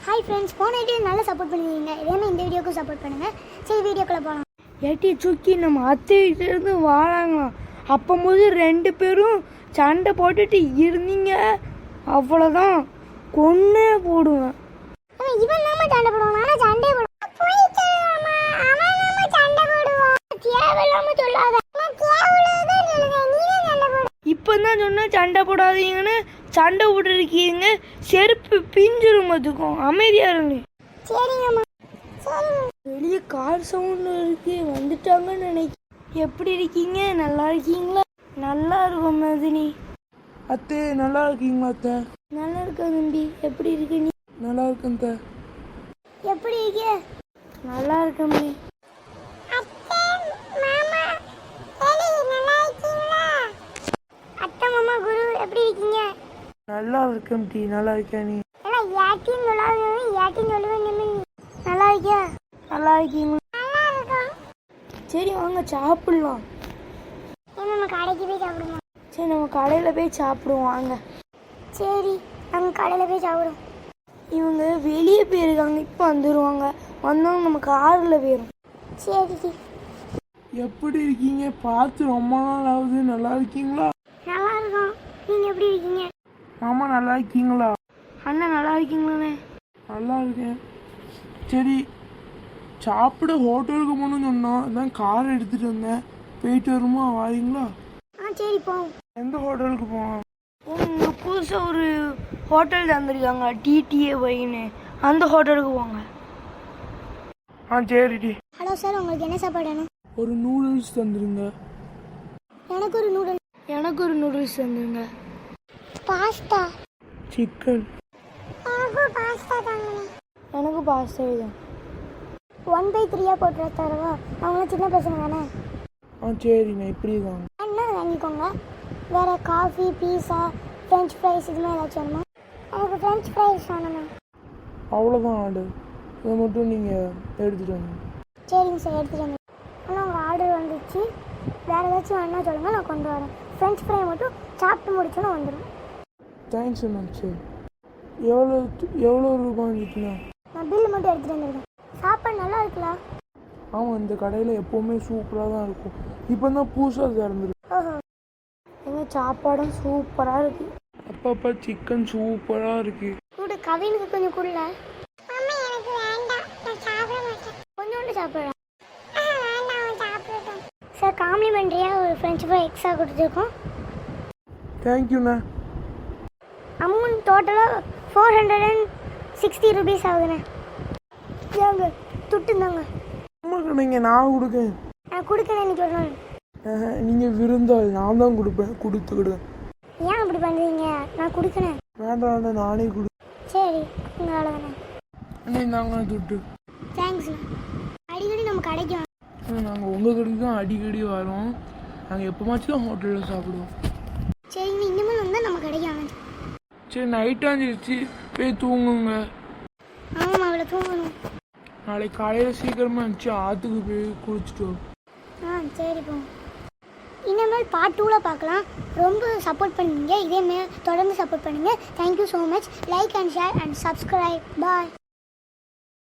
Hi friends, போன video நல்லா support பண்ணியிருந்தீங்க. இதேமாதிரி இந்த வீடியோக்கும் சப்போர்ட் பண்ணுங்கள். சரி, வீடியோக்குள்ளே போகலாம். ஏட்டி சுக்கி நம்ம அத்தைகிட்டேருந்து வாழாங்களாம். அப்போது 2 பேரும் சண்டை போட்டுட்டு இருந்தீங்க, அவ்வளோதான், கொன்னே போடுவேன். இவன் நாம சண்டை போடுவான், ஆனால் சண்டை போடுவான். இப்போதான் சொன்னா சண்டை போடாதீங்கன்னு. சண்டை போட்டுருக்கீங்க, செருப்பு பிஞ்சிரும். அதுக்கும் அமைதியா இருங்க. வெளியே கார் சவுண்ட் இருக்கு, வந்துட்டாங்கன்னு நினைக்கிறேன். எப்படி இருக்கீங்க? நல்லா இருக்கீங்களா? நல்லா இருக்கும் மதினி. அத்தை நல்லா இருக்கீங்களா? அத்தை நல்லா இருக்கேன் தம்பி. எப்படி இருக்க நீ? நல்லா இருக்கேன் அத்தை. எப்படி இருக்க? நல்லா இருக்கேன். அத்தை மாமா குரு எப்படி இருக்கீங்க? நல்லா இருக்கேன் டி. நல்லா இருக்கேன் நீ? எல்லாம் யாட்டின்னு சொல்லாதீங்க, யாட்டின்னு சொல்லுவேன். நல்லா இருக்கியா? நல்லா இருக்கீங்களா? நல்லா இருக்கும். சரி வாங்க சாப்பிடலாம். நம்ம கடைக்கு போய் சாப்பிடுவோம். சரி நம்ம கடையில் போய் சாப்பிடுவோம் வாங்க. சரி, நம்ம கடையில் போய் சாப்பிடுவோம். இவங்க வெளியே போயிருக்காங்க, இப்போ வந்துடுவாங்க. வந்தவங்க நம்ம காரில் போயிடும். சரி. எப்படி இருக்கீங்க? பார்த்து ரொம்ப நாள் ஆகுது. நல்லா இருக்கீங்களா? நல்லா இருக்கும். நீங்கள் எப்படி இருக்கீங்க? மாமா நல்லா இருக்கீங்களா? அண்ணா நல்லா இருக்கீங்களாண்ணே? நல்லா இருக்கேன். சரி, சாப்பிட ஹோட்டலுக்கு போகணும்னு சொன்னோம், அதான் கார் எடுத்துகிட்டு வந்தேன். போயிட்டு வருமா? வாரீங்களா? சரி போவோம். எந்த ஹோட்டலுக்கு போவோம்? உங்க புதுசாக ஒரு ஹோட்டல் தந்துருக்காங்க, டிடிஏ வைன்னு. அந்த ஹோட்டலுக்கு போங்க. சரிடி. ஹலோ சார், உங்களுக்கு என்ன சாப்பாடு வேணும்? ஒரு நூடுல்ஸ் தந்துருங்க. எனக்கு ஒரு நூடுல்ஸ். எனக்கு ஒரு நூடுல்ஸ் தந்துருங்க. பாஸ்தா. சிக்கன். எனக்கு பாஸ்தா தாங்க. எனக்கு பாஸ்தா தான். 1/3 போட்டு தரவா? அவங்களும் சின்ன பசங்க தானே. சரிண்ணா, இப்படி தான். என்ன வாங்கிக்கோங்க. வேறு காஃபி, பீஸா, ஃப்ரெஞ்ச் ஃப்ரைஸ் இதுமாதிரி ஏதாச்சும் வேணுமா? எனக்கு ஃப்ரெஞ்ச் ஃப்ரைஸ் வேணுமா? அவ்வளோதான் ஆர்டர். இதை மட்டும் நீங்கள் எடுத்துகிட்டு வாங்க. சரிங்க சார், எடுத்துகிட்டு வந்து. ஆனால் உங்கள் ஆர்டர் வந்துச்சு. வேறு ஏதாச்சும் வேணா சொல்லுங்கள், நான் கொண்டு வரேன். ஃப்ரெஞ்ச் ஃப்ரை மட்டும் சாப்பிட்டு முடிச்சோன்னு வந்துடும். தேங்க்ஸ் அண்ணா. சரி, எவ்வளோ ரூபாய்க்குண்ணா? நான் பில்லு மட்டும் எடுத்துகிட்டு வந்துருக்கேன். சாப்பாடு நல்லா இருக்குல்ல? ஆமாம், இந்த கடையில் எப்போவுமே சூப்பராக தான் இருக்கும். இப்போ தான் புதுசாக திறந்துருக்கு. ஓஹோ. எங்கள் சாப்பாடும் சூப்பராக இருக்குது. அப்பப்போ சிக்கன் சூப்பராக இருக்குது. கூட கவினுக்கு கொஞ்சம் கொடுல. எனக்கு வேண்டாம், நான் சாப்பிட மாட்டேன். கொஞ்சோண்டு சாப்பிட்றேன். சார், காம்ப்ளிமெண்ட்ரியாக ஒரு ஃப்ரெஞ்ச் ஃப்ரை எக்ஸ்ட்ரா கொடுத்துருக்கோம். தேங்க்யூண்ணா. அமௌண்ட் டோட்டலாக 460 ருபீஸ் ஆகுதுண்ணே. ஏங்க துட்டுந்தாங்க. ஆமாக்கா, நீங்கள் நான் கொடுக்கேன். நான் கொடுக்கணும் இன்னைக்கு ஒரு நாள். நீங்கள் விருந்தாள், நான் தான் கொடுப்பேன். கொடுத்துக்கிடுவேன். ஏன் அப்படி பண்ணுறீங்க? நான் கொடுக்கணும். வேண்டாம், நானே கொடு. சரி, உங்களால் தானே. அண்ணே நாங்க துட்டு. தேங்க்ஸ். அடிக்கடி நம்ம கடைக்கு நாங்கள் உங்கள் கடைக்கு தான் அடிக்கடி வரோம். நாங்கள் எப்போமாச்சும் தான் ஹோட்டலில் சாப்பிடுவோம். சரிங்க, இனிமேல் வந்தால் நம்ம கடைக்கு வாங்க. சரி, நைட்டாஞ்சிருச்சு, போய் தூங்குங்க. ஆமாம், அவளை தூங்கணும். நாளைக்கு காலையில் சீக்கிரமாக இருந்துச்சு, ஆற்றுக்கு போய் குளிச்சுட்டு வரும். சரி போங்க. இனிமேல் பார்ட் 2ல் பார்க்கலாம். ரொம்ப சப்போர்ட் பண்ணுவீங்க, இதேமாரி தொடர்ந்து சப்போர்ட் பண்ணுங்கள். Thank you so much. Like and share and subscribe. Bye.